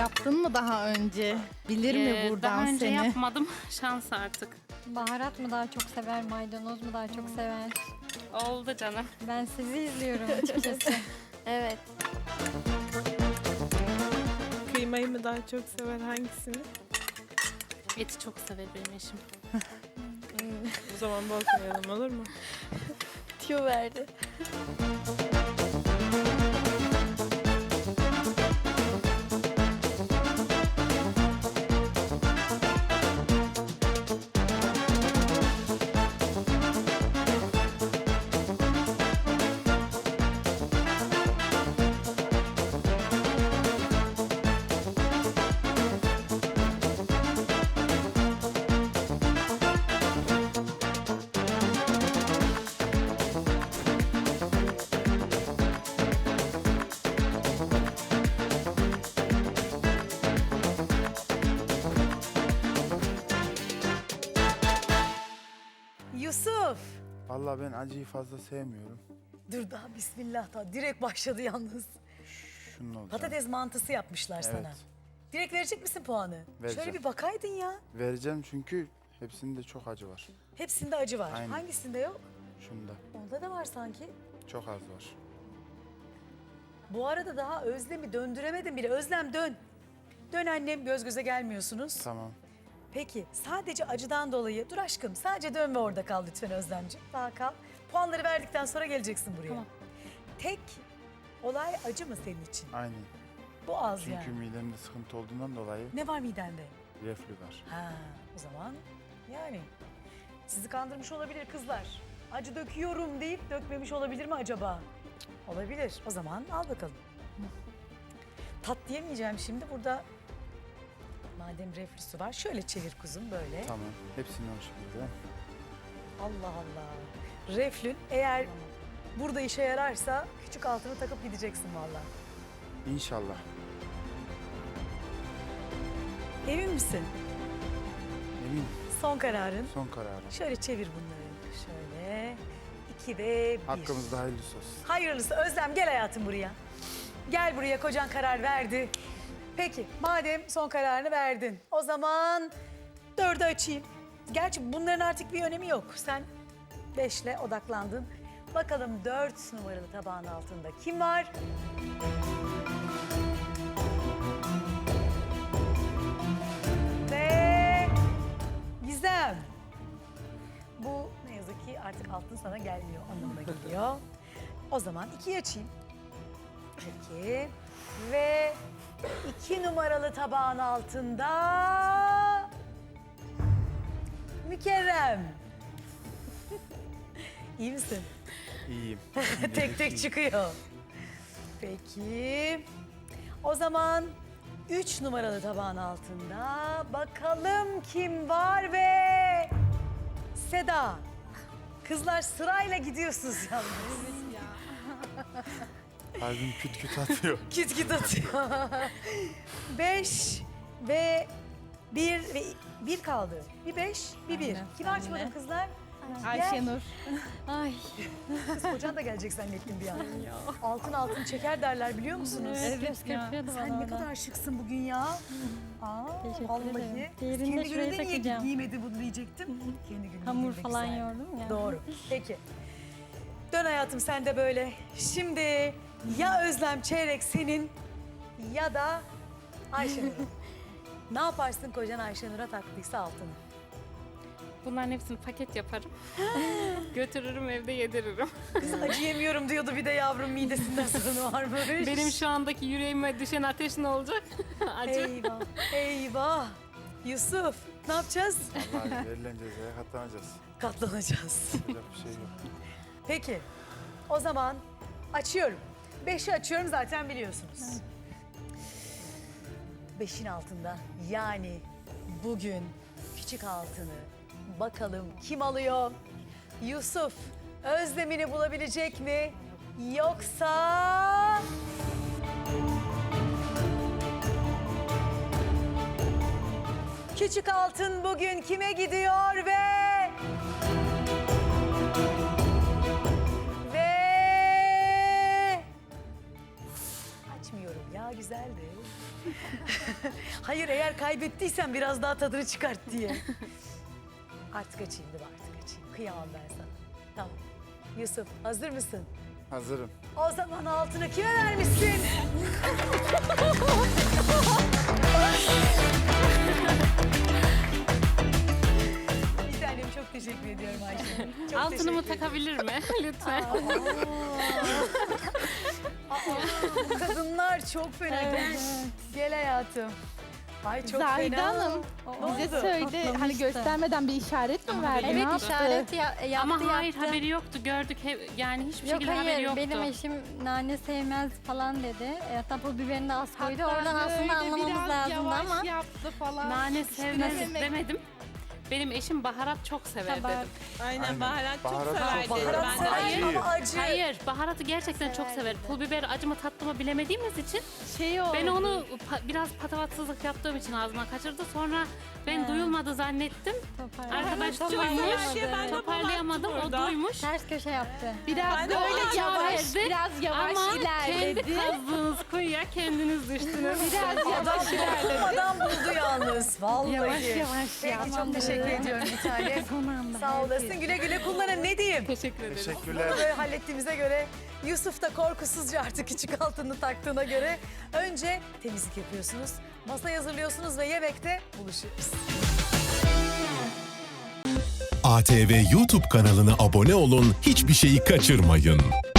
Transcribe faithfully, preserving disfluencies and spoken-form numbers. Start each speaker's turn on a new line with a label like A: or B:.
A: yaptın mı daha önce? Bilir mi
B: Ee,
A: buradan
B: Daha önce
A: seni?
B: yapmadım. Şans artık.
C: Baharat mı daha çok sever, maydanoz mu daha çok sever?
B: Oldu canım.
C: Ben sizi izliyorum açıkçası.
D: Evet.
E: Kıymayı mı daha çok sever, hangisini?
B: Eti çok sever benim eşim.
E: O zaman bozmayalım, olur mu?
D: Tüyo verdi.
F: Yusuf.
G: Vallahi ben acıyı fazla sevmiyorum.
F: Dur daha bismillah daha. Direkt başladı yalnız.
G: Şunun olacak.
F: Patates mantısı yapmışlar sana.
G: Evet.
F: Direkt verecek misin puanı?
G: Vereceğim.
F: Şöyle bir bakaydın ya.
G: Vereceğim çünkü hepsinde çok acı var.
F: Hepsinde acı var.
G: Aynen.
F: Hangisinde yok?
G: Şunda
F: Onda da var sanki.
G: çok az var.
F: Bu arada daha Özlem'i döndüremedim bile. Özlem dön. Dön annem, göz göze gelmiyorsunuz.
G: Tamam.
F: Peki sadece acıdan dolayı, dur aşkım sadece dön ve orada kal lütfen Özlemciğim. Daha kal. Puanları verdikten sonra geleceksin buraya.
B: Tamam.
F: Tek olay acı mı senin için?
G: Aynen.
F: Bu az
G: Çünkü
F: yani.
G: midemde sıkıntı olduğundan dolayı
F: Ne var midende?
G: reflü var.
F: Ha, o zaman yani sizi kandırmış olabilir kızlar. Acı döküyorum deyip dökmemiş olabilir mi acaba? Cık, olabilir. O zaman al bakalım. Tat diyemeyeceğim şimdi burada. Madem reflüsü var şöyle çevir kuzum böyle.
G: Tamam. Hepsini o şekilde.
F: Allah Allah. Reflün eğer burada işe yararsa küçük altını takıp gideceksin vallahi.
G: İnşallah.
F: Emin misin?
G: Eminim.
F: Son kararın.
G: Son kararım.
F: Şöyle çevir bunları. Şöyle. İki ve bir.
G: Hakkımızda hayırlısı olsun.
F: Hayırlısı. Özlem gel hayatım buraya. Gel buraya, kocan karar verdi. Peki madem son kararını verdin o zaman dördü açayım. Gerçi bunların artık bir önemi yok. Sen beşle odaklandın. Bakalım dört numaralı tabağın altında kim var? Ve Gizem. Bu ne yazık ki artık altın sana gelmiyor anlamına geliyor. O zaman ikiyi açayım. Peki. Ve iki numaralı tabağın altında Mükerrem. İyi misin?
G: İyiyim.
F: Tek tek çıkıyor. Peki. O zaman üç numaralı tabağın altında bakalım kim var ve Seda. Kızlar sırayla gidiyorsunuz yalnız.
G: Kalbim küt küt atıyor.
F: Kit kit atıyor. Beş ve bir ve bir kaldı. Bir beş, bir bir.
A: Aynen,
F: Kimi açmadım
A: aynen.
F: kızlar?
A: Ayşenur.
C: Ay,
F: Kız kocan da gelecek zannettim bir an. Altın altın çeker derler biliyor musunuz?
C: evet, göz kırpıyordu bana
F: Sen ne
C: orada.
F: kadar şıksın bugün ya. Aa,
C: Teşekkür
F: vallahi.
C: ederim. Diğerini
F: Kendi
C: de şuraya
F: gününde niye
C: takacağım.
F: giymedi bunu diyecektim. Kendi gününde
C: Hamur
F: giymek
C: falan
F: güzel.
C: yoğurdum ya.
F: Doğru. Peki. Dön hayatım sen de böyle. Şimdi ya Özlem çeyrek senin ya da Ayşenur'un. Ne yaparsın kocan Ayşenur'a taktıysa altını?
B: Bunların hepsini paket yaparım. Götürürüm evde yediririm.
F: Kız acı yemiyorum diyordu bir de yavrum midesinden sorunu varmış.
B: Benim şu andaki yüreğime düşen ateş ne olacak? Acı.
F: Eyvah, eyvah. Yusuf, ne yapacağız?
G: Vallahi verilen cezaya katlanacağız.
F: Katlanacağız.
G: Yapacak bir şey yok.
F: Peki, o zaman açıyorum. Beşi açıyorum zaten biliyorsunuz. Beşin altında yani bugün küçük altını bakalım kim alıyor? Yusuf Özlem'ini bulabilecek mi? Yoksa... Küçük altın bugün kime gidiyor ve... Ve... Açmıyorum ya güzeldi. Hayır, eğer kaybettiysen biraz daha tadını çıkart diye. Artık açayım değil mi? Artık açayım. Kıyamam ben sana. Tamam. Yusuf, hazır mısın?
G: Hazırım.
F: O zaman altını kime vermişsin? Bir tanem, çok teşekkür ediyorum Ayşe. Çok
B: Altınımı
F: teşekkür
B: takabilir mi? Lütfen.
F: Bu kadınlar çok fena. Gel, gel hayatım. Ay çok
A: Zahide
F: fena.
A: Hanım
F: Ne
A: bize
F: oldu?
A: söyle
C: Patlamıştı.
A: hani göstermeden bir işaret mi verdi?
C: Evet
A: ne yaptı?
C: işaret ya, yaptı
B: Ama hayır
C: yaptı.
B: haberi yoktu. Gördük hep, yani hiçbir
C: Yok
B: şekilde haberi
C: hayır
B: yoktu.
C: benim eşim nane sevmez falan dedi. E, hatta pul biberini de az koydu.
A: Hatta
C: Oradan aslında
A: böyle
C: anlamamız
A: biraz
C: lazımdı
A: yavaş
C: ama.
A: yaptı falan.
B: Nane sevmez
A: demek-
B: demedim. Benim eşim baharat çok sever
C: Tabii.
B: dedim.
E: Aynen,
G: Aynen.
E: baharat,
G: Baharat
E: çok
G: çok
E: sever
G: sever.
E: dedim.
F: Baharat
E: Ben de
F: sever
G: Acı.
F: ama acı.
B: Hayır, baharatı gerçekten çok
C: Sever
B: sever.
C: dedi.
B: Pul biber acı mı tatlı mı bilemediğimiz için
A: Şey oldu.
B: ben onu pa- biraz patavatsızlık yaptığım için ağzıma kaçırdı. Sonra ben
C: He.
B: duyulmadı zannettim.
C: Toparlayamadı.
B: Arkadaş
C: Toparlayamadı.
B: duymuş.
E: Ben de
B: Toparlayamadım. O
E: burada.
B: duymuş.
C: Ters köşe yaptı.
A: biraz
E: Ben de
A: böyle
E: ona
A: yavaş,
B: verdi.
A: biraz yavaş
B: Ama
A: ilerledi.
B: kendi kazdığınız kuyuya kendiniz düştünüz.
A: Biraz yavaş ilerledi.
F: Adam buldu yalnız. Vallahi.
C: Yavaş yavaş
F: Peki
C: ya.
F: çok teşekkür ediyorum bir tane.
C: Son anda.
F: Sağ olasın. Güle güle kullanın. Ne diyeyim?
B: Teşekkür ederim.
G: Teşekkürler.
F: Bunu böyle hallettiğimize göre Yusuf da korkusuzca artık küçük altını taktığına göre önce temizlik yapıyorsunuz, masayı hazırlıyorsunuz ve yemekte buluşuyoruz.
H: A T V YouTube kanalına abone olun, hiçbir şeyi kaçırmayın.